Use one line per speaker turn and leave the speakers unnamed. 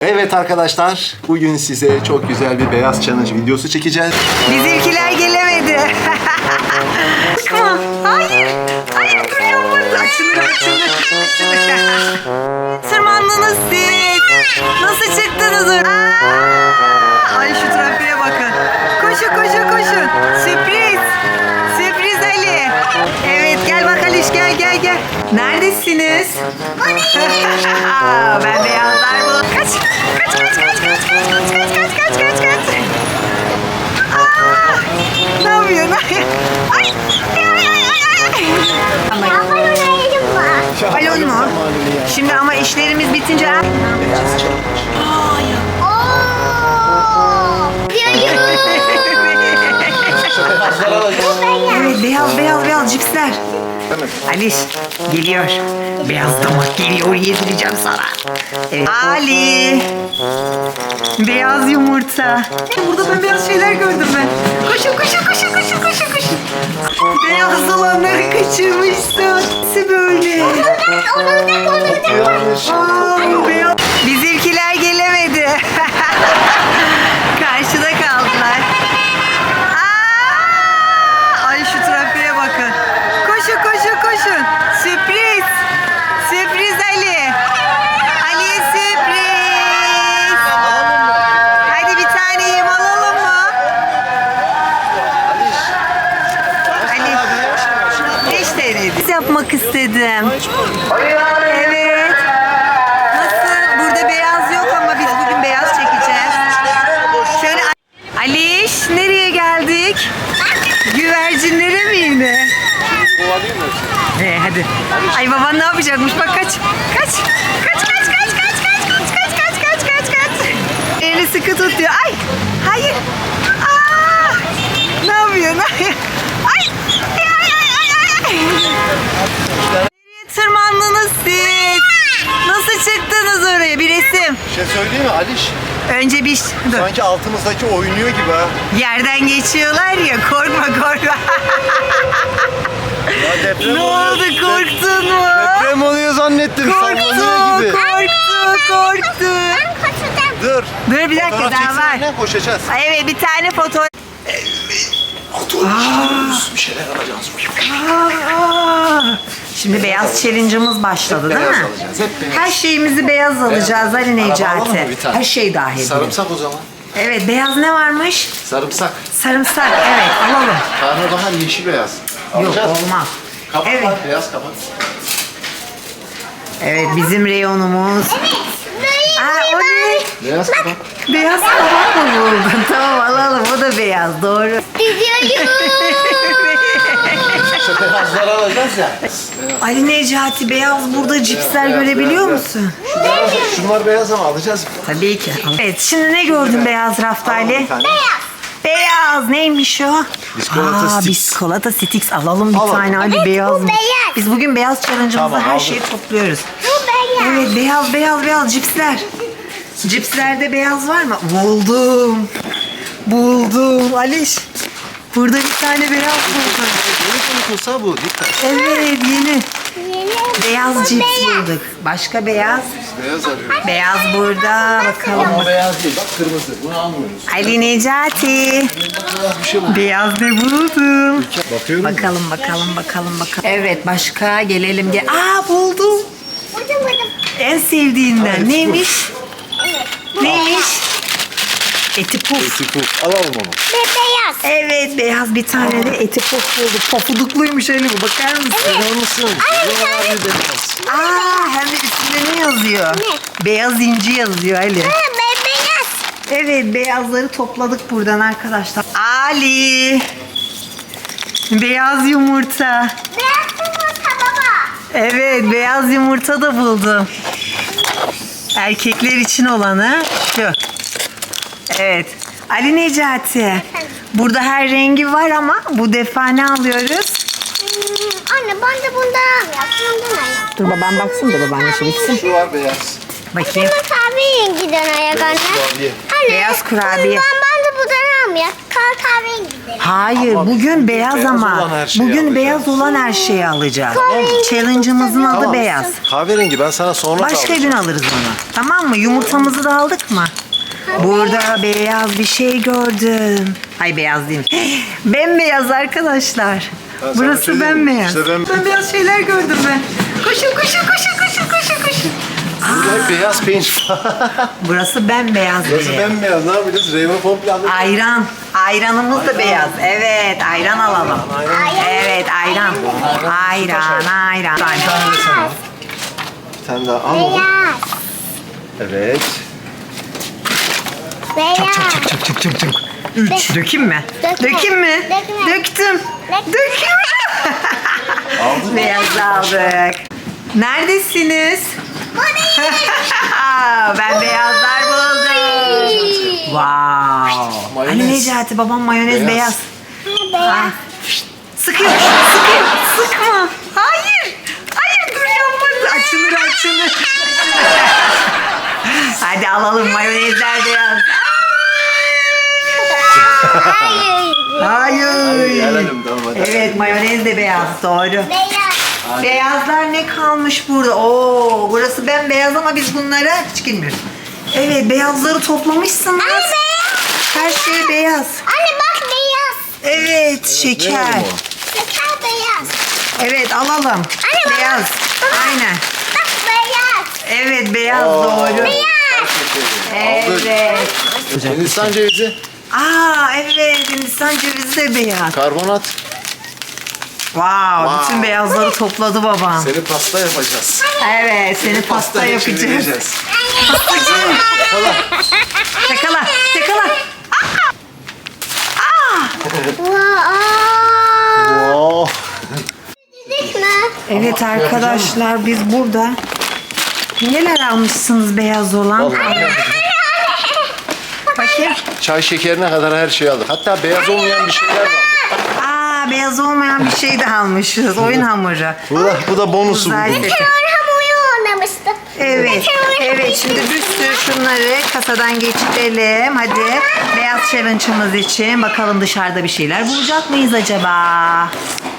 Evet arkadaşlar, bugün size çok güzel bir beyaz challenge videosu çekeceğiz.
Bizimkiler gelemedi. Bakma. Hayır. Hayır duruyor burada. Açılıyor. Tırmandınız siz. Nasıl çıktınız oraya? Ay şu trafiğe bakın. Koşun. Sürpriz. Sürpriz Ali. Evet gel bak Aliş gel. Neredesiniz? Ben beyazlar bu. Kaç. Ne yapıyorsun? Ay. Balon mu? Şimdi ama işlerimiz bitince... Evet beyaz cipsler. Aliş geliyor. Beyaz damak geliyor, yedireceğim sana. Evet. Ali. Beyaz yumurta. Burada ben beyaz şeyler gördüm ben. Koşun. Beyaz olanları kaçırmışsın. Nasıl böyle? Beyaz. Bizimkiler gelemedi. Karşıda kaldılar. Ay şu trafiğe bakın. Koşun. Sürpriz Ali. Ali'ye sürpriz. Hadi bir tane yem alalım mı? Ali. 5 TL'ydi. Yapmak istedim. Evet. Nasıl? Burada beyaz yok ama biz bugün beyaz çekeceğiz. Şöyle Aliş nereye geldik? Güvercinlere mi yine? Hadi. Ay baban ne yapacakmış? Bak kaç. Elini sıkı tut diyor. Ay. Hayır. Ne yapıyorsun? Ay. Nereye tırmandınız siz? Nasıl çıktınız oraya? Bir resim.
Bir şey söyleyeyim mi Aliş?
Önce bir... Dur.
Sanki altımızdaki oynuyor gibi ha.
Yerden geçiyorlar ya. Korkma.
Ya deprem
Ne
oluyor.
oldu? Korktun mu?
Deprem oluyor zannettim. Sallanıyor gibi.
Korktu.
Dur.
Dur bir dakika
Fotoğraf
daha var.
çeksene, koşacağız.
Ay, evet bir tane foto.
Bir şeyler alacağız.
Şimdi beyaz challenge'ımız başladı değil
Beyaz
mi?
alacağız. Hep beyaz.
Her şeyimizi beyaz alacağız Ali
Araba alalım mı
Necati.
bir tane?
Her şey dahil.
Sarımsak o zaman.
Evet beyaz ne varmış?
Sarımsak.
Sarımsak evet alalım.
Karnabahar yeşil beyaz.
Yok
Alacağız.
olmaz.
Kabak
Evet.
var, beyaz kabak.
Evet bizim reyonumuz. O ne?
Beyaz kabak.
Beyaz kabak mı buldun? Tamam alalım o da beyaz doğru.
İşte beyazları alacağız ya.
Ali Necati beyaz burada cipsler
beyaz,
görebiliyor
beyaz.
musun?
Şunlar beyaz ama alacağız.
Tabii ki. Evet şimdi ne gördün beyaz rafta
Alalım
Ali?
bir tane.
Beyaz neymiş o?
Biskolata sticks.
Biskolata sticks alalım bir
Alalım.
tane Ali
Evet,
beyaz
bu
mı?
beyaz.
Biz bugün beyaz challenge'ımızda
Tamam,
her
aldım.
şeyi topluyoruz.
Bu beyaz.
Evet beyaz cipsler. Cipslerde beyaz var mı? Buldum. Aliş. Burada bir tane beyaz buldum.
Yeni konkursa bu. Dikkat.
Evet yeni.
Yeni.
Beyaz
Bu
cips
beyaz.
bulduk. Başka beyaz.
Beyaz arıyoruz.
Beyaz burada. Bakalım.
Ama beyaz değil. Bak kırmızı. Bunu almıyoruz.
Ali Necati.
Bir şey bu.
Beyaz ne buldum?
Bakıyorum.
Bakalım. Evet başka gelelim. Buldum.
Buldum.
En sevdiğinden.
Evet,
Neymiş? Neymiş? Eti puf.
Eti alalım onu.
Ve beyaz.
Evet beyaz bir tane de eti puf bulduk. Pofudukluymuş Ali bu. Bakar mısın?
Bakar mısın? Buralar bir beyaz.
Hem de üstünde ne yazıyor?
Ne?
Beyaz inci yazıyor Ali.
Ve beyaz.
Evet beyazları topladık buradan arkadaşlar. Ali. Beyaz yumurta.
Beyaz yumurta baba.
Evet beyaz yumurta da buldum. Erkekler için olanı şu. Evet. Ali Necati. Burada her rengi var ama bu defa ne alıyoruz?
Anne ben de bundan alıyorum. Bundan alıyorum.
Dur babam baksın da babaanne şey bitsin.
Şu var beyaz.
Bakayım.
Bunun kahve renginden ayak anne.
Kurabiye.
Anne.
Beyaz kurabiye.
Ben de bundan almayak. Kahverengi gidelim.
Hayır,
Ama
bugün beyaz
beyaz
ama.
olan her şeyi
Bugün
alacağız.
beyaz olan her şeyi alacağız.
Kahverengi
Challenge'ımızın adı
Tamam.
beyaz.
Kahverengi ben sana sonra
Başka
alacağım.
gün alırız onu. Tamam mı? Yumurtamızı da aldık mı? Burada beyaz bir şey gördüm. Ay beyaz değil. Bembeyaz arkadaşlar.
Ben sana
Burası
söyleyeyim mi?
bembeyaz.
İşte ben-
Bembeyaz şeyler gördüm ben. Koşun koşun koşun koşun koşun koşun.
Burada hep beyaz peynir.
Burası bembeyaz.
Burası
bir.
bembeyaz. Ne yapacağız? Reyva komple aldık.
Ayran. Ayranımız da beyaz. Evet, ayran alalım. Evet, ayran. Ayran, ayran.
Bir tane de sen al. Bir tane daha al oğlum.
Beyaz.
Evet.
Beyaz.
Çık çık çık çık. 3. Dökeyim mi?
Dökme.
Dökeyim mi?
Dökme.
Döktüm.
Dökme.
Dökeyim.
Aldın mı?
Beyaz aldık. Neredesiniz? Ben beyazlar buldum. Wow.
Mayonez.
Ali Necati babam mayonez beyaz.
Beyaz.
Sıkıyor, sıkıyor. Sıkma. Hayır. Hayır dur yapma. Açılır açılır. Hadi alalım mayonezler beyaz.
Hayır.
Hayır.
Gelelim tamam hadi.
Evet mayonez de beyaz doğru.
Beyaz.
Beyazlar ne kalmış burada? Oo, burası bembeyaz ama biz bunlara hiç girmiyoruz. Evet beyazları toplamışsınız.
Anne beyaz.
Her şey beyaz.
Anne bak beyaz.
Evet şeker.
verelim
Şeker beyaz.
Evet alalım.
Anne,
Beyaz.
baba.
Aynen.
Bak beyaz.
Evet beyaz
Oo.
doğru.
Beyaz.
Evet.
Hindistan cevizi,
Aa evet Hindistan cevizi de beyaz.
karbonat.
Wow, bütün beyazları topladı babam.
Seni pasta yapacağız.
Evet seni pasta yapacağız.
çevireceğiz.
Yakala. Yakala.
Wow.
Dedik mi?
Evet arkadaşlar biz burada neler almışsınız beyaz olan?
Vallahi
Bakayım.
çay şekerine kadar her şeyi aldık. Hatta beyaz olmayan bir şeyler de aldık.
Aa beyaz olmayan bir şey de almışız. Oyun hamuru.
Bu da bonusu
Güzel
bugün.
seti.
Hamuru oynamıştık.
Evet. Evet şimdi bir sürü şunları kasadan geçirelim. Hadi beyaz challenge'ımız için bakalım dışarıda bir şeyler bulacak mıyız acaba?